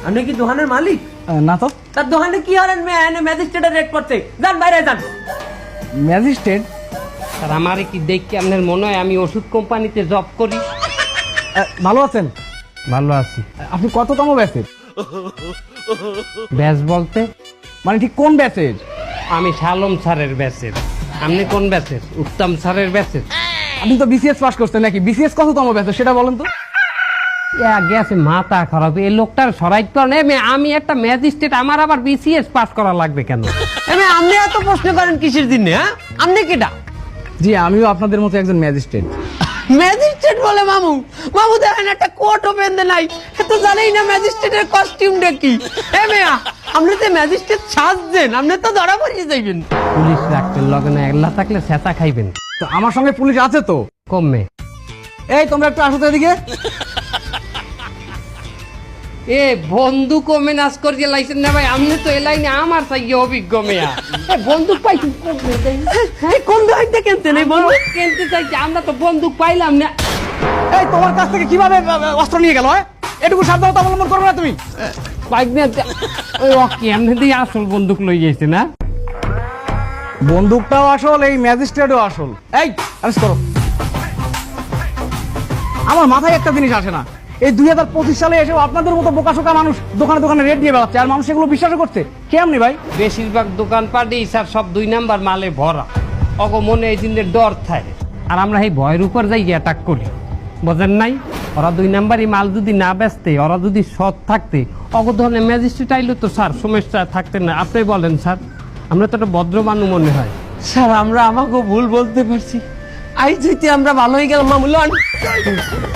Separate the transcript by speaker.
Speaker 1: আপনি কি দোকানের মালিক?
Speaker 2: না তো।
Speaker 1: তার দোকানে কি হলেন ম্যাজিস্ট্রেটের রেট পড়ছে? যান বাইরে যান।
Speaker 2: ম্যাজিস্ট্রেট?
Speaker 3: আর আমারে কি দেখি আপনার মনে হয় আমি ওষুধ কোম্পানিতে জব করি?
Speaker 2: ভালো আছেন?
Speaker 3: ভালো আছি।
Speaker 2: আপনি কততম ব্যাচের?
Speaker 3: ব্যাচ বলতে
Speaker 2: মানে ঠিক কোন ব্যাচের?
Speaker 3: আমি শালম স্যারের ব্যাচের। আপনি কোন ব্যাচের? উত্তম স্যারের ব্যাচের।
Speaker 2: আপনি তো বিসিএস পাস করছেন নাকি? বিসিএস কততম ব্যাচের সেটা বলেন তো।
Speaker 3: গেছে মাথা খারাপ, এই লোকটার সরাই কারণে আমি একটা ম্যাজিস্ট্রেট, আমার আবার বিসিএস পাস করা লাগবে কেন?
Speaker 1: আপনি এত প্রশ্ন করেন কিসের জন্য? হ্যাঁ, আপনি কেটা?
Speaker 2: জি আমিও আপনাদের মতো একজন ম্যাজিস্ট্রেট।
Speaker 1: ম্যাজিস্ট্রেট বলে মামু? মামু দেখেন একটা কোটও বেঁধে নাই, তো জানেই না ম্যাজিস্ট্রেটের কস্টিউমটা কি। মেয়া, আপনি তো ম্যাজিস্ট্রেট সাজছেন, আপনি তো ধরা পড়িয়ে যাইবেন।
Speaker 3: পুলিশ রাখবেন লগে না, একলা থাকলে চেঁচা খাইবেন।
Speaker 2: তো আমার সঙ্গে পুলিশ আছে তো।
Speaker 3: কমে
Speaker 2: এই তোমরা একটু আসো তো এদিকে।
Speaker 3: এ বন্দুক ও মেনাজ করিয়ে লাইছেন না ভাই, আপনি তো এ লাইনে আমার চাই অভিজ্ঞ মেয়া। বন্দুক পাইছেন
Speaker 1: কোন দোকানটা কিনতেন এই বলুন?
Speaker 3: কিনতে চাইছি, আমরা তো বন্দুক পাইলাম না।
Speaker 2: এই তোমার কাছ থেকে কিভাবে অস্ত্র নিয়ে গেল? এটুকু সাবধানতা অবলম্বন করবে না তুমি?
Speaker 3: ওই ওকে এমনি দিয়ে আসল বন্দুক লই গেছে না?
Speaker 2: বন্দুকটাও আসল, এই ম্যাজিস্ট্রেটও আসল। এই আরেস্ট করো। আমার মাথায় একটা জিনিস আসে না, এই 2025 সালে এসেও আপনাদের মতো বোকাশোকা মানুষ দোকানে দোকানে রেট দিয়ে বেড়াচ্ছে, আর মানুষ এগুলো বিশ্বাস করছে কেমনি ভাই?
Speaker 3: বেশিরভাগ দোকানপাটই স্যার সব 2 নাম্বার মালে ভরা। অগ মনে এই দিনের ডর থাকে, আর আমরা এই ভয়ের উপর যাই অ্যাটাক করি, বোঝেন নাই? ওরা 2 নাম্বারই মাল যদি না বেচতে, ওরা যদি সৎ থাকতে, অগ ধরনের ম্যাজিস্ট্রেট আইলে তো স্যার সমস্যা থাকতে না। আপনি বলেন স্যার, আমরা তো একটা ভদ্র মানুষ মনে হয়।
Speaker 1: স্যার আমরা আমাকে ভুল বলতে পারছি, আই যেতে আমরা ভালো হয়ে গেলাম মামু। লন